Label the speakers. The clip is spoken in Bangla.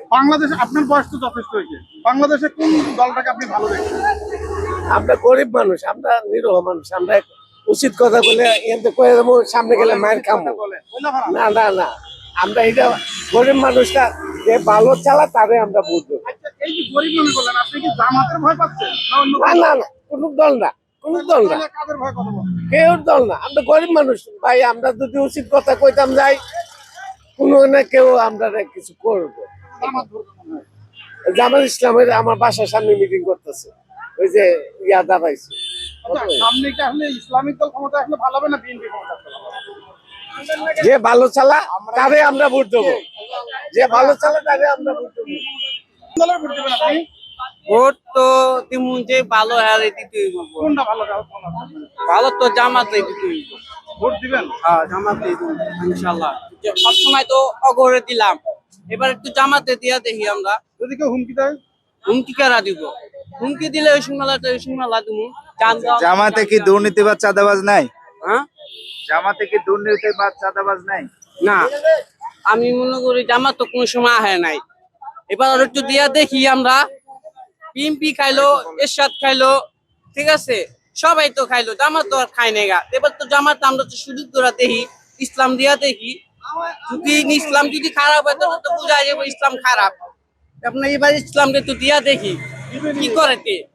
Speaker 1: বাংলাদেশে আপনার বয়স তো যথেষ্ট হয়েছে, বাংলাদেশে কোন দলটাকে আপনি ভালো দেখছেন?
Speaker 2: আমরা গরিব মানুষ, আমরা নিরহ মানুষ, আমরা উচিত কথা বলে এতে কয়ে দেবো, সামনে গেলে মায়ের খামো না না না। আমরা এটা গরিব মানুষটা যে ভালো চালা তারে আমরা বুঝবো।
Speaker 1: আচ্ছা, এই যে গরিব মানুষ বললেন, আপনি কি জামাতের ভয় পাচ্ছেন না অন্য
Speaker 2: না না না, কোন দল না, কোন দল না,
Speaker 1: কাদের ভয় কথা বলেন?
Speaker 2: কেউ দল না। আমরা গরিব মানুষ ভাই, আমরা যদি উচিত কথা কইতাম যাই কোনো না কেউ আমরা কিছু করবো।
Speaker 1: জামাত ধরবেন মনে হয়।
Speaker 2: জামাত ইসলামের আমার বাসার সামনে মিটিং করতেছে, ওই যে ইয়া দাঁড়াইছে।
Speaker 1: আচ্ছা, সামনে কি আসলে ইসলামিক দল ক্ষমতা আসলে ভালো হবে না বিএনপি ক্ষমতা আসলে ভালো হবে?
Speaker 2: যে ভালো চালা তারে আমরা ভোট দেবো, যে ভালো চালা তারে আমরা ভোট দেবো।
Speaker 1: কোন দলের ভোট দেবেন আপনি?
Speaker 3: ভোট তো তেমন যে ভালো হারে দিতেই বলবো।
Speaker 1: কোনটা ভালো দল?
Speaker 3: ভালো তো জামাতে দিতেই
Speaker 1: ভোট দিবেন?
Speaker 3: হ্যাঁ জামাতে ইনশাল্লাহ। সবসময় তো অগরে দিলাম, এবার একটু জামাতে দিয়া দেখি আমরা।
Speaker 1: যদি কেউ হুমকি দেয়?
Speaker 3: হুমকি কারা দিব? হুমকি দিলে ওই সিংমালা দিব।
Speaker 4: জামাতে কি দুর্নীতি বা চাঁদাবাজ নাই?
Speaker 3: হ্যাঁ
Speaker 4: জামাতে কি দুর্নীতি বা চাঁদাবাজ নাই?
Speaker 3: না, আমি মনে করি জামাত তো কোনো সময় আহে নাই। এবার আর একটু দিয়া দেখি আমরা। পিএমপি খাইলো, এরশাদ খাইলো, ঠিক আছে, সবাই তো খাইলো, জামাত তো আর খাই নাই গা। এবার তো জামাত আমরা তো সুযোগ ধরা দেখি, ইসলাম দিয়া দেখি। যদি ইসলাম যদি খারাপ হয় তাহলে তো বোঝা যাবে ইসলাম খারাপ। আপনার এবার ইসলামকে তো দিয়া দেখি কি করে